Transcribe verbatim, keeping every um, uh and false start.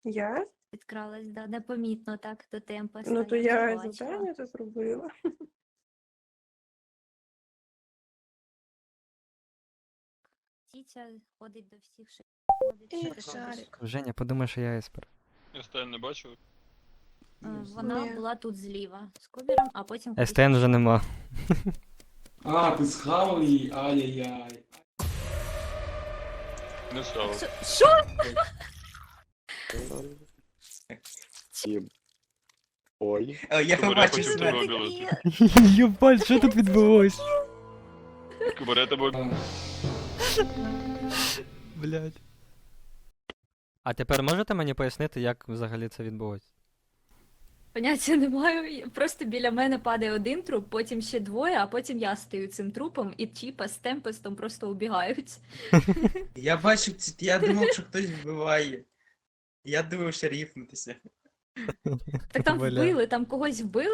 Я? Підкралась, да, непомітно так до темпа. Ну то я я вже бачила. завдання це зробила. Тітя ходить до всіх, що ходить. Що Эх, ти робиш? Шарик. Женя, подумай, що я еспер. Я стаю не бачив. Е, Вона Ні. була тут зліва з Кубером, а потім... ес те ен вже нема. А, ти схавав її? Ай-яй-яй. Не став. Що? Що? Ті- Ой. О, я Кубер, я побачив хотів себе. тебе обілити. Єбать, що тут відбулось? Кубер, я тебе А, Блять. А тепер можете мені пояснити, як взагалі це відбулось? Поняття не маю. Просто біля мене падає один труп, потім ще двоє, а потім я стою цим трупом, і Чіпа з Темпестом просто убігають. Я бачив, ці- я думав, що хтось вбиває. Я думав, що ріфнутися. Так там Бля. вбили, там когось вбили.